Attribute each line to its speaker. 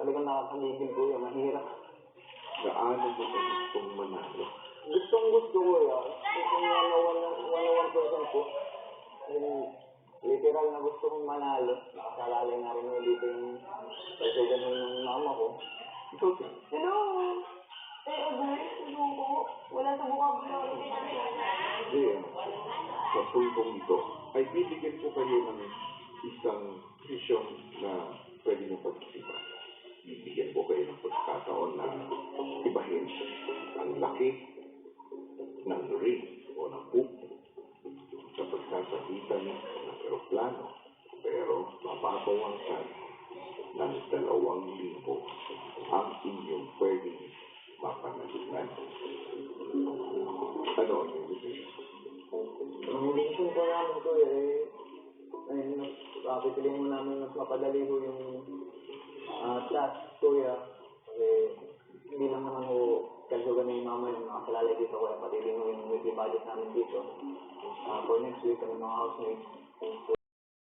Speaker 1: talagang nakakagigil kuya, mahirap.
Speaker 2: Gaano mo ka gustong manalo?
Speaker 1: Gusto kuya, kung 101% po. Literal na gusto kong manalo. Nakasalalay na rin ulit yung president ng mama ko.
Speaker 3: Hello! Aday, hello po. Wala sa vocabulary.
Speaker 2: Then, sa puntong ito, ay bibigyan ko kayo ng isang vision na pwede nyo pag-isipan. Bibigyan ko kayo ng pagkataon na ibahin ang laki ng ring o ng pupo sa pagsasagitan ng eroplano, pero mababaw ang size ng 2,000 ang inyong pwedeng mapanalunan. Ano ang inyong decision?
Speaker 1: Ang decision po namin kuya pipiliin mo namin mas mapadali ko yung task kuya. Kasi hindi lang naman ko kalsugan na yung mama yung nakasalalay dito kuya, pati din yung weekly budget namin dito. For next week, kami mga housemates,